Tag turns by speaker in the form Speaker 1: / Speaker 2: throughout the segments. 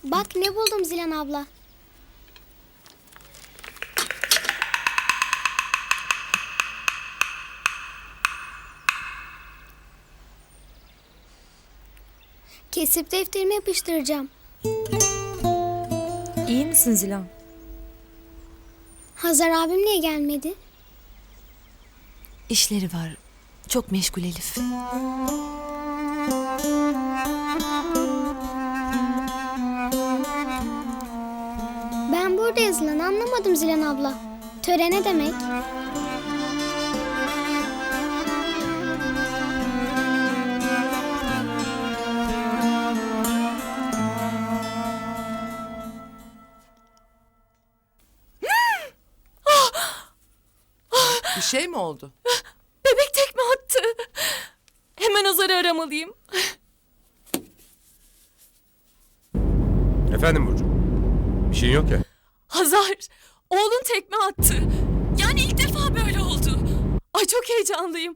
Speaker 1: Bak ne buldum Zilan abla. Kesip defterime yapıştıracağım.
Speaker 2: İyi misin Zilan?
Speaker 1: Hazar abim niye gelmedi?
Speaker 3: İşleri var. Çok meşgul Elif.
Speaker 1: Ben burada yazılanı anlamadım Zilan abla. Töre ne demek?
Speaker 4: Bir şey mi oldu?
Speaker 2: Bebek tekme attı. Hemen Hazar'ı aramalıyım.
Speaker 5: Efendim Burcu? Bir şeyin yok ya.
Speaker 2: Hazar, oğlun tekme attı. Yani ilk defa böyle oldu. Ay çok heyecanlıyım.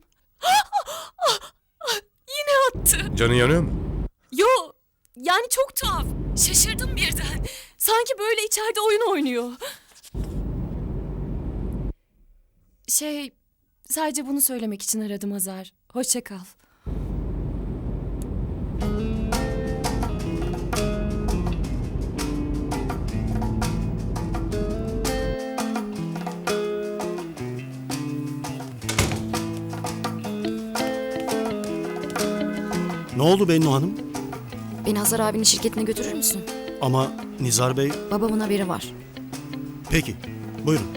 Speaker 2: Yine attı.
Speaker 5: Canın yanıyor mu?
Speaker 2: Yo, yani çok tuhaf. Şaşırdım birden. Sanki böyle içeride oyun oynuyor. Sadece bunu söylemek için aradım Hazar. Hoşça kal.
Speaker 6: Ne oldu Bennu Hanım?
Speaker 3: Beni Hazar abinin şirketine götürür müsün?
Speaker 6: Ama Nizar Bey...
Speaker 3: Babamın haberi var.
Speaker 6: Peki, buyurun.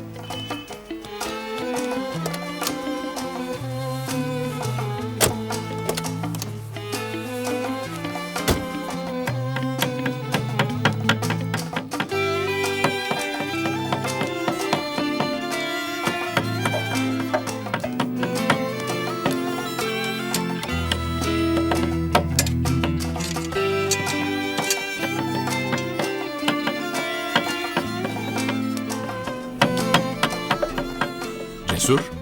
Speaker 7: Cesur.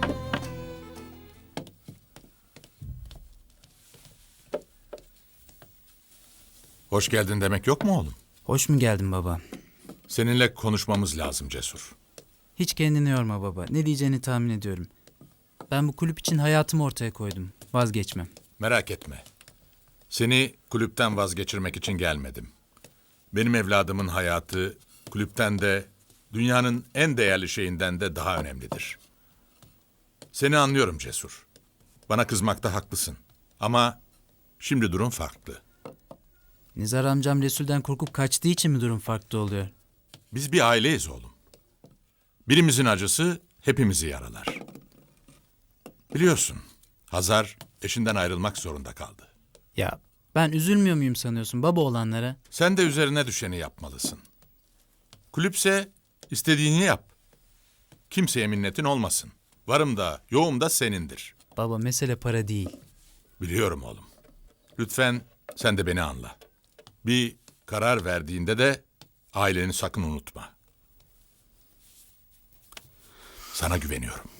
Speaker 7: Hoş geldin demek yok mu oğlum?
Speaker 8: Hoş mu geldin baba?
Speaker 7: Seninle konuşmamız lazım Cesur.
Speaker 8: Hiç kendini yorma baba. Ne diyeceğini tahmin ediyorum. Ben bu kulüp için hayatımı ortaya koydum. Vazgeçmem.
Speaker 7: Merak etme. Seni kulüpten vazgeçirmek için gelmedim. Benim evladımın hayatı kulüpten de dünyanın en değerli şeyinden de daha önemlidir. Seni anlıyorum Cesur. Bana kızmakta haklısın. Ama şimdi durum farklı.
Speaker 8: Nizar amcam Resul'den korkup kaçtığı için mi durum farklı oluyor?
Speaker 7: Biz bir aileyiz oğlum. Birimizin acısı hepimizi yaralar. Biliyorsun, Hazar eşinden ayrılmak zorunda kaldı.
Speaker 8: Ya ben üzülmüyor muyum sanıyorsun baba olanlara?
Speaker 7: Sen de üzerine düşeni yapmalısın. Kulüpse istediğini yap. Kimseye minnetin olmasın. Varım da yoğum da senindir.
Speaker 8: Baba mesele para değil.
Speaker 7: Biliyorum oğlum. Lütfen sen de beni anla. Bir karar verdiğinde de aileni sakın unutma. Sana güveniyorum.